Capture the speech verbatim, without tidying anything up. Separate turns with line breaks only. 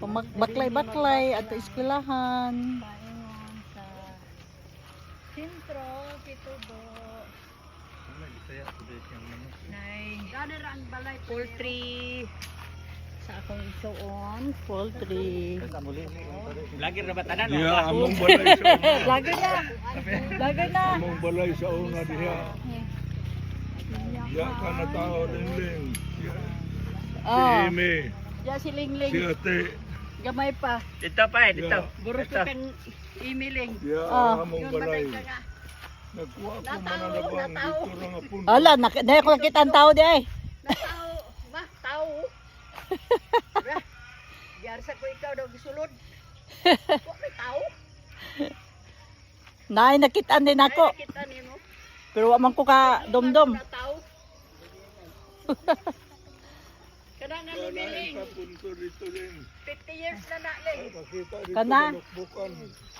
Baklay-baklay at eskwelahan.
Paingon sa sentro, Kitubo. Nay, poultry sa akong isuon.
Poultry.
Vlogger na ba tanan?
Diha among balay sa una.
Lago na. Lago na.
Among balay sa una diha. Diha ka na tao ling-ling. Diha. Si
Oh,
Amy,
ya si
si
Lingling.
Ate,
Gamay pa.
Dito pa eh, dito.
Buro ko kan imiling.
diha
Ah.
among balay. Nagkuha ko mananabang dito ra nga puno.
Ala, nak na ko nakita ang tao di ay.
Tao, ba, tao. Bra. Diar sa ko ikaw daw gisulod. Wa may tao.
Naay nakitaan din ako.
Ay, nakita nimo.
Pero wa man ko ka domdom.
Na tao. Kana nga
Wala
imiling.
sa punto dito din.
fifty years na na ling.
Nakita dito
Kana?
balukbukan.